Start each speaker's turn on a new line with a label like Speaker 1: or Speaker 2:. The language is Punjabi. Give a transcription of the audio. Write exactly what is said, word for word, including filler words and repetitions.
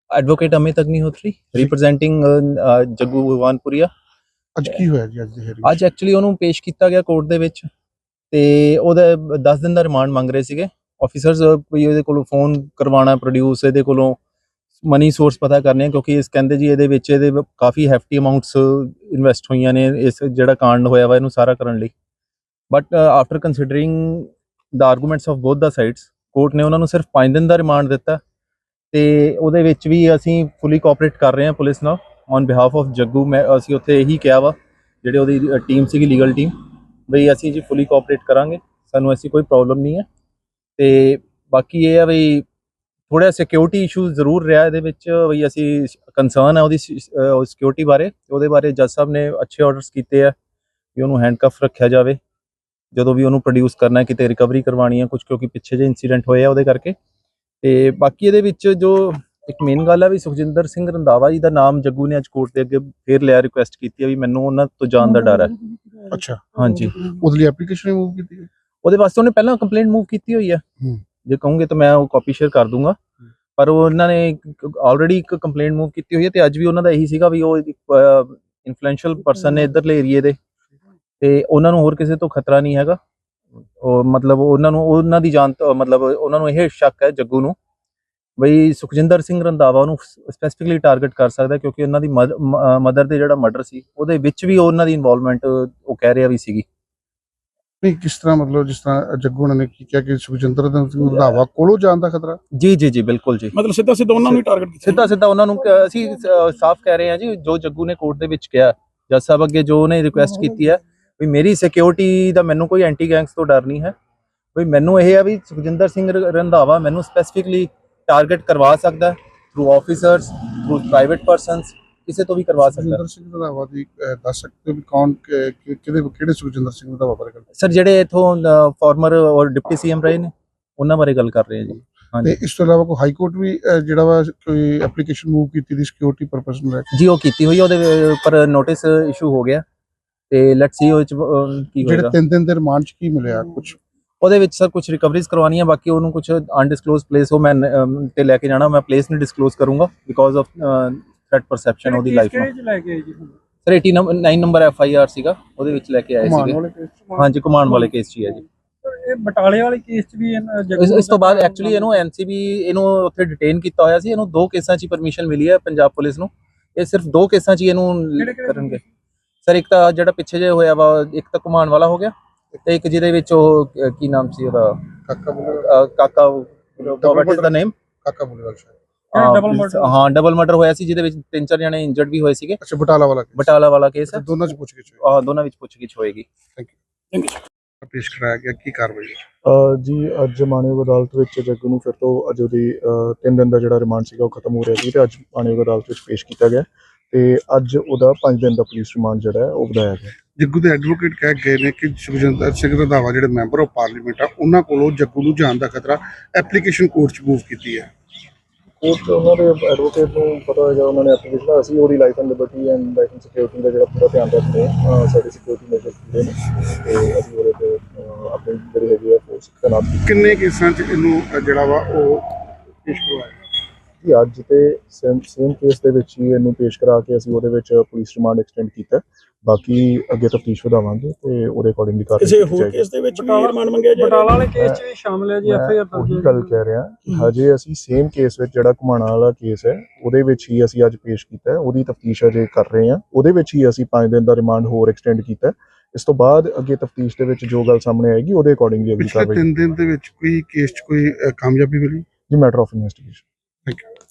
Speaker 1: Advocate Amit Agnihotri representing Jaggu Bhagwanpuria.
Speaker 2: ਅੱਜ ਕੀ ਹੋਇਆ ਜੀ ਅੱਜ ਦੀ hearing
Speaker 1: ਅੱਜ ਐਕਚੁਅਲੀ ਉਹਨੂੰ ਪੇਸ਼ ਕੀਤਾ ਗਿਆ ਕੋਰਟ ਦੇ ਵਿੱਚ ਤੇ ਉਹਦਾ ਦਸ ਦਿਨ ਦਾ ਰਿਮਾਂਡ ਮੰਗ ਰਹੇ ਸੀਗੇ ਆਫੀਸਰਸ, ਵੀ ਇਹਦੇ ਕੋਲੋਂ ਫੋਨ ਕਰਵਾਉਣਾ ਪ੍ਰੋਡਿਊਸ, ਇਹਦੇ ਕੋਲੋਂ ਮਨੀ ਸੋਰਸ ਪਤਾ ਕਰਨੇ, ਕਿਉਂਕਿ ਇਸ ਕਹਿੰਦੇ ਜੀ ਇਹਦੇ ਵਿੱਚ ਇਹਦੇ ਕਾਫੀ ਹੈਫਟੀ ਅਮਾਊਂਟਸ ਇਨਵੈਸਟ ਹੋਈਆਂ ਨੇ ਇਸ ਜਿਹੜਾ ਕਾਂਡ ਹੋਇਆ ਵਾ ਇਹਨੂੰ ਸਾਰਾ ਕਰਨ ਲਈ। But after considering the arguments of both ਦਾ ਸਾਈਡਸ, ਕੋਰਟ ਨੇ ਉਹਨਾਂ ਨੂੰ ਸਿਰਫ ਪੰਜ ਦਿਨ ਦਾ ਰਿਮਾਂਡ ਦਿੱਤਾ ਤੇ ਉਹਦੇ ਵਿੱਚ ਵੀ ਅਸੀਂ ਫੁੱਲੀ ਕੋਆਪਰੇਟ ਕਰ ਰਹੇ ਹਾਂ ਪੁਲਿਸ ਨਾਲ ਔਨ ਬਿਹਾਫ ਆਫ ਜੱਗੂ। ਮੈਂ ਅਸੀਂ ਉੱਥੇ ਇਹੀ ਕਿਹਾ ਵਾ ਜਿਹੜੇ ਉਹਦੀ ਟੀਮ ਸੀਗੀ ਲੀਗਲ ਟੀਮ, ਬਈ ਅਸੀਂ ਜੀ ਫੁੱਲੀ ਕੋਆਪਰੇਟ ਕਰਾਂਗੇ, ਸਾਨੂੰ ਐਸੀ ਕੋਈ ਪ੍ਰੋਬਲਮ ਨਹੀਂ ਹੈ। ਤੇ ਬਾਕੀ ਇਹ ਆ ਬਈ ਥੋੜ੍ਹਾ ਸਿਕਿਉਰਿਟੀ ਇਸ਼ੂ ਜ਼ਰੂਰ ਰਿਹਾ ਇਹਦੇ ਵਿੱਚ, ਬਈ ਅਸੀਂ ਕੰਸਰਨ ਹੈ ਉਹਦੀ ਸਿਕਿਉਰਿਟੀ ਬਾਰੇ। ਉਹਦੇ ਬਾਰੇ ਜੱਜ ਸਾਹਿਬ ਨੇ ਅੱਛੇ ਆਰਡਰਸ ਕੀਤੇ ਆ ਕਿ ਉਹਨੂੰ ਹੈਂਡਕਫ ਰੱਖਿਆ ਜਾਵੇ ਜਦੋਂ ਵੀ ਉਹਨੂੰ ਪ੍ਰੋਡਿਊਸ ਕਰਨਾ, ਕਿਤੇ ਰਿਕਵਰੀ ਕਰਵਾਉਣੀ ਹੈ ਕੁਝ, ਕਿਉਂਕਿ ਪਿੱਛੇ ਜਿਹੇ ਇੰਸੀਡੈਂਟ ਹੋਏ ਆ ਉਹਦੇ ਕਰਕੇ। ਤੇ ਬਾਕੀ ਇਹਦੇ ਵਿੱਚ ਜੋ ਇੱਕ ਮੇਨ ਗੱਲ ਆ ਵੀ ਸੁਖਜਿੰਦਰ ਸਿੰਘ ਰੰਧਾਵਾ ਜੀ ਦਾ ਨਾਮ ਜੱਗੂ ਨੇ ਅੱਜ ਕੋਰਟ ਦੇ ਅੱਗੇ ਫੇਰ ਲਿਆ, ਰਿਕੁਐਸਟ ਕੀਤੀ ਆ ਵੀ ਮੈਨੂੰ ਉਹਨਾਂ ਤੋਂ ਜਾਣ ਦਾ ਡਰ ਹੈ।
Speaker 2: ਅੱਛਾ,
Speaker 1: ਹਾਂਜੀ,
Speaker 2: ਉਹਦੇ ਲਈ ਐਪਲੀਕੇਸ਼ਨ ਮੂਵ ਕੀਤੀ ਹੈ?
Speaker 1: ਉਹਦੇ ਵਾਸਤੇ ਉਹਨੇ ਪਹਿਲਾਂ ਕੰਪਲੇਂਟ ਮੂਵ ਕੀਤੀ ਹੋਈ ਆ, ਜੇ ਕਹੋਗੇ ਤਾਂ ਮੈਂ ਉਹ ਕਾਪੀ ਸ਼ੇਅਰ ਕਰ ਦੂੰਗਾ, ਪਰ ਉਹ ਉਹਨਾਂ ਨੇ ਆਲਰੇਡੀ ਇੱਕ ਕੰਪਲੇਂਟ ਮੂਵ ਕੀਤੀ ਹੋਈ ਹੈ। ਤੇ ਅੱਜ ਵੀ ਉਹਨਾਂ ਦਾ ਇਹੀ ਸੀਗਾ ਵੀ ਉਹ ਇਨਫਲੂਐਂਸ਼ੀਅਲ ਪਰਸਨ ਨੇ ਇੱਧਰਲੇ ਏਰੀਏ ਦੇ, ਤੇ ਉਹਨਾਂ ਨੂੰ ਹੋਰ ਕਿਸੇ ਤੋਂ ਖਤਰਾ ਨਹੀਂ ਹੈਗਾ। ਉਹ ਮਤਲਬ ਉਹਨਾਂ ਨੂੰ ਉਹਨਾਂ ਦੀ ਜਾਨ ਮਤਲਬ ਉਹਨਾਂ ਨੂੰ ਇਹ ਸ਼ੱਕ ਹੈ ਜੱਗੂ ਨੂੰ ਬਈ ਸੁਖਜਿੰਦਰ ਸਿੰਘ ਰੰਧਾਵਾ ਉਹਨੂੰ ਸਪੈਸੀਫਿਕਲੀ ਟਾਰਗੇਟ ਕਰ ਸਕਦਾ, ਕਿਉਂਕਿ ਉਹਨਾਂ ਦੀ ਮਦਰ ਦੇ ਜਿਹੜਾ ਮਰਡਰ ਸੀ ਉਹਦੇ ਵਿੱਚ ਵੀ ਉਹਨਾਂ ਦੀ ਇਨਵੋਲਵਮੈਂਟ ਉਹ ਕਹਿ ਰਿਹਾ ਵੀ ਸੀਗੀ।
Speaker 2: ਨਹੀਂ, ਕਿਸ ਤਰ੍ਹਾਂ ਮਤਲਬ ਜਿਸ ਤਰ੍ਹਾਂ ਜੱਗੂ ਉਹਨਾਂ ਨੇ ਕੀ ਕਿਹਾ ਕਿ ਸੁਖਜਿੰਦਰ ਸਿੰਘ ਰੰਧਾਵਾ ਕੋਲੋਂ ਜਾਣ ਦਾ ਖਤਰਾ?
Speaker 1: ਜੀ ਜੀ ਜੀ ਬਿਲਕੁਲ ਜੀ,
Speaker 3: ਮਤਲਬ ਸਿੱਧਾ ਸਿੱਧਾ ਉਹਨਾਂ ਨੂੰ ਹੀ ਟਾਰਗੇਟ ਕੀਤਾ,
Speaker 1: ਸਿੱਧਾ ਸਿੱਧਾ ਉਹਨਾਂ ਨੂੰ ਅਸੀਂ ਸਾਫ਼ ਕਹਿ ਰਹੇ ਹਾਂ ਜੀ, ਜੋ ਜੱਗੂ ਨੇ ਕੋਰਟ ਦੇ ਵਿੱਚ ਕਿਹਾ ਜੱਜ ਸਾਹਿਬ ਅੱਗੇ, ਜੋ ਉਹਨੇ ਰਿਕੁਐਸਟ ਕੀਤੀ ਹੈ ਵੀ ਮੇਰੀ ਸਿਕਿਉਰਿਟੀ ਦਾ ਮੈਨੂੰ ਕੋਈ ਐਂਟੀ ਗੈਂਗਸ ਤੋਂ ਡਰ ਨਹੀਂ ਹੈ, ਵੀ ਮੈਨੂੰ ਇਹ ਹੈ ਵੀ ਸੁਖਜਿੰਦਰ ਸਿੰਘ ਰੰਧਾਵਾ ਮੈਨੂੰ ਸਪੈਸੀਫਿਕਲੀ ਟਾਰਗੇਟ ਕਰਵਾ ਸਕਦਾ through officers, through private persons, ਕਿਸੇ ਤੋਂ ਵੀ ਕਰਵਾ ਸਕਦਾ।
Speaker 2: ਸੁਖਜਿੰਦਰ ਸਿੰਘ ਰੰਧਾਵਾ ਦੀ ਦੱਸ ਸਕਦੇ ਹੋ ਵੀ ਕੌਣ ਕਿਹਦੇ ਕਿਹੜੇ ਸੁਖਜਿੰਦਰ ਸਿੰਘ ਰੰਧਾਵਾ ਬਾਰੇ ਗੱਲ?
Speaker 1: ਸਰ ਜਿਹੜੇ ਇਥੋਂ ਫਾਰਮਰ ਔਰ ਡਿਪਟੀ ਸੀਐਮ ਰਹੇ ਨੇ ਉਹਨਾਂ ਬਾਰੇ ਗੱਲ ਕਰ ਰਹੇ ਹਾਂ ਜੀ।
Speaker 2: ਤੇ ਇਸ ਤੋਂ ਇਲਾਵਾ ਕੋਈ ਹਾਈ ਕੋਰਟ ਵੀ ਜਿਹੜਾ ਵਾ ਕੋਈ ਐਪਲੀਕੇਸ਼ਨ ਮੂਵ ਕੀਤੀ ਦੀ ਸਿਕਿਉਰਿਟੀ ਪਰਪਸ ਨੂੰ ਲੈ ਕੇ?
Speaker 1: ਜੀ ਉਹ ਕੀਤੀ ਹੋਈ, ਉਹਦੇ ਉੱਪਰ ਨੋਟਿਸ ਇਸ਼ੂ ਹੋ ਗਿਆ ਤੇ ਲੈਟਸ ਸੀ ਉਹ ਚ ਕੀ ਹੋਏਗਾ।
Speaker 2: ਜਿਹੜੇ ਤਿੰਨ ਦਿਨ ਦੇ ਰਿਮਾਂਡ ਚ ਕੀ ਮਿਲਿਆ ਕੁਝ?
Speaker 1: ਉਹਦੇ ਵਿੱਚ ਸਰ ਕੁਝ ਰਿਕਵਰੀਜ਼ ਕਰਵਾਉਣੀਆਂ, ਬਾਕੀ ਉਹਨੂੰ ਕੁਝ ਅਨਡਿਸਕਲੋਜ਼ ਪਲੇਸ ਉਹ ਮੈਂ ਤੇ ਲੈ ਕੇ ਜਾਣਾ, ਮੈਂ ਪਲੇਸ ਨਹੀਂ ਡਿਸਕਲੋਜ਼ ਕਰੂੰਗਾ ਬਿਕੋਜ਼ ਆਫ ਥ੍ਰੈਟ ਪਰਸੈਪਸ਼ਨ ਉਹਦੀ ਲਾਈਫ ਨੂੰ। ਸਰ ਨਵਾਂ ਨੰਬਰ ਐਫ ਆਈ ਆਰ ਸੀਗਾ, ਉਹਦੇ ਵਿੱਚ ਲੈ ਕੇ ਆਏ ਸੀਗੇ। ਹਾਂਜੀ, ਘੁਮਾਉਣ ਵਾਲੇ ਕੇਸ 'ਚ ਹੀ ਹੈ ਜੀ।
Speaker 3: ਇਹ ਬਟਾਲੇ ਵਾਲੇ ਕੇਸ 'ਚ ਵੀ
Speaker 1: ਇਸ ਤੋਂ ਬਾਅਦ ਐਕਚੁਅਲੀ ਇਹਨੂੰ ਐਨਸੀਬੀ ਇਹਨੂੰ ਉੱਥੇ ਡਿਟੇਨ ਕੀਤਾ ਹੋਇਆ ਸੀ, ਇਹਨੂੰ ਦੋ ਕੇਸਾਂ 'ਚ ਪਰਮਿਸ਼ਨ ਮਿਲੀ ਹੈ ਪੰਜਾਬ ਪੁਲਿਸ ਨੂੰ। ਇਹ ਸਿਰਫ ਦੋ ਕੇਸਾਂ 'ਚ ਇਹਨੂੰ ਕਰਨਗੇ ਸਰ। ਇੱਕ ਤਾਂ ਜਿਹੜਾ ਪਿੱਛੇ ਜੇ ਹੋਇਆ ਵਾ, ਇੱਕ ਤਾਂ ਘੁਮਾਉਣ ਵਾਲਾ ਹੋ ਗਿਆ, ਤੇ ਇੱਕ ਜਿਹਦੇ ਵਿੱਚ ਉਹ ਕੀ ਨਾਮ ਸੀ ਉਹਦਾ, ਕਾਕਾ ਕਾਕਾ ਵਾਟ ਇਜ਼ ਦਾ ਨੇਮ,
Speaker 2: ਕਾਕਾ ਬੁੱਲੇਵਾਲ
Speaker 1: ਸ਼ਾਇਦ। ਹਾਂ, ਡਬਲ ਮਰਡਰ ਹੋਇਆ ਸੀ ਜਿਹਦੇ ਵਿੱਚ ਤਿੰਨ ਚਾਰ ਜਣੇ ਇੰਜਰਡ ਵੀ ਹੋਏ ਸੀਗੇ।
Speaker 2: ਅੱਛਾ, ਬਟਾਲਾ ਵਾਲਾ
Speaker 1: ਬਟਾਲਾ ਵਾਲਾ ਕੇਸ ਹੈ,
Speaker 2: ਦੋਨਾਂ ਚ ਪੁੱਛਗਿੱਛ ਹੋਈ।
Speaker 1: ਹਾਂ, ਦੋਨਾਂ ਵਿੱਚ ਪੁੱਛਗਿੱਛ ਹੋਏਗੀ।
Speaker 2: Thank you. Thank you. ਪੇਸ਼ ਕਰਾਇਆ ਗਿਆ, ਕੀ ਕਾਰਵਾਈ?
Speaker 4: ਜੀ ਅੱਜ ਮਾਨਯੋਗ ਅਦਾਲਤ ਵਿੱਚ ਜੱਗੂ ਨੂੰ ਫਿਰ ਤੋਂ ਅੱਜ ਉਹਦੀ ਤਿੰਨ ਦਿਨ ਦਾ ਜਿਹੜਾ ਰਿਮਾਂਡ ਸੀਗਾ ਉਹ ਖਤਮ ਹੋ ਰਿਹਾ ਸੀ, ਤੇ ਅੱਜ ਮਾਨਯੋਗ ਅਦਾਲਤ ਵਿੱਚ ਪੇਸ਼ ਕੀਤਾ ਗਿਆ ਤੇ ਅੱਜ ਉਹਦਾ ਪੰਜ ਦਿਨ ਦਾ ਪੁਲਿਸ ਰਿਮਾਂਡ ਜਿਹੜਾ ਹੈ ਉਹ ਵਧਾਇਆ ਗਿਆ।
Speaker 2: ਜੱਗੂ ਦੇ ਐਡਵੋਕੇਟ ਕਹਿ ਗਏ ਨੇ ਕਿ ਸੁਖਜਿੰਦਰ ਸਿੰਘ ਰੰਧਾਵਾ ਜਿਹੜੇ ਮੈਂਬਰ ਆਫ ਪਾਰਲੀਮੈਂਟ ਆ ਉਹਨਾਂ ਕੋਲੋਂ ਜੱਗੂ ਨੂੰ ਜਾਣ ਦਾ ਖਤਰਾ, ਐਪਲੀਕੇਸ਼ਨ ਕੋਰਟ 'ਚ ਮੂਵ ਕੀਤੀ ਹੈ।
Speaker 4: ਕੋਰਟ ਉਹਨਾਂ ਦੇ ਐਡਵੋਕੇਟ ਨੂੰ ਪਤਾ ਹੋਏਗਾ, ਉਹਨਾਂ ਨੇ ਐਪਲੀਕੇਸ਼ਨ, ਅਸੀਂ ਉਹਦੀ life and liberty and life and security ਦਾ ਜਿਹੜਾ ਪੂਰਾ ਧਿਆਨ ਰੱਖਦੇ ਹਾਂ, ਸਾਡੀ ਸਿਕਿਉਰਿਟੀ ਮੇਜਰ ਹੁੰਦੇ ਨੇ ਤੇ ਅਸੀਂ ਉਹਦੇ 'ਤੇ ਆਪਣੀ ਜਿਹੜੀ ਹੈਗੀ ਹੈ ਫੋਰਸ ਤੈਨਾਤ ਕੀਤੀ।
Speaker 2: ਕਿੰਨੇ ਕੇਸਾਂ 'ਚ ਇਹਨੂੰ ਜਿਹੜਾ ਵਾ ਉਹ ਪੇਸ਼ ਕਰਵਾਇਆ
Speaker 4: ਜੀ? ਅੱਜ ਤੇ ਸੇਮ ਸੇਮ ਕੇਸ ਦੇ ਵਿੱਚ ਹੀ ਇਹਨੂੰ ਪੇਸ਼ ਕਰਾ ਕੇ ਅਸੀਂ ਉਹਦੇ ਵਿੱਚ ਪੁਲਿਸ ਰਿਮਾਂਡ ਐਕਸਟੈਂਡ ਕੀਤਾ। ਬਾਕੀ ਅੱਗੇ ਤਫਤੀਸ਼ ਵਧਾਵਾਂਗੇ ਤੇ ਉਹਦੇ ਅਕੋਰਡਿੰਗਲੀ ਕਾਰਵਾਈ ਕੀਤੀ ਜਾਏਗੀ।
Speaker 3: ਕਿਸੇ ਹੋਰ ਕੇਸ ਦੇ ਵਿੱਚ ਵੀ ਰਿਮਾਂਡ ਮੰਗਿਆ ਜਾਏਗਾ? ਬਟਾਲਾ ਵਾਲੇ ਕੇਸ 'ਚ ਵੀ ਸ਼ਾਮਲ ਹੈ ਜੀ, ਐਫ ਆਈ ਆਰ ਦਰਜ ਹੈ।
Speaker 4: ਉਹੀ ਗੱਲ ਕਹਿ ਰਿਹਾ ਕਿ ਹਜੇ ਅਸੀਂ ਸੇਮ ਕੇਸ ਵਿੱਚ ਜਿਹੜਾ ਘੁਮਾਣਾ ਵਾਲਾ ਕੇਸ ਹੈ ਉਹਦੇ ਵਿੱਚ ਹੀ ਅਸੀਂ ਅੱਜ ਪੇਸ਼ ਕੀਤਾ, ਉਹਦੀ ਤਫਤੀਸ਼ ਅਜੇ ਕਰ ਰਹੇ ਹਾਂ। ਉਹਦੇ ਵਿੱਚ ਹੀ ਅਸੀਂ ਪੰਜ ਦਿਨ ਦਾ ਰਿਮਾਂਡ ਹੋਰ ਐਕਸਟੈਂਡ ਕੀਤਾ। ਇਸ ਤੋਂ ਬਾਅਦ ਅੱਗੇ ਤਫਤੀਸ਼ ਦੇ ਵਿੱਚ ਜੋ ਗੱਲ ਸਾਹਮਣੇ ਆਏਗੀ ਉਹਦੇ ਅਕੋਰਡਿੰਗਲੀ ਅਗਲੀ ਕਾਰਵਾਈ।
Speaker 2: ਤਿੰਨ ਦਿਨ ਦੇ ਵਿੱਚ ਕੋਈ ਕੇਸ 'ਚ ਕੋਈ ਕਾਮਯਾਬੀ ਮਿਲੀ?
Speaker 4: ਜੀ matter of investigation.
Speaker 2: Thank you.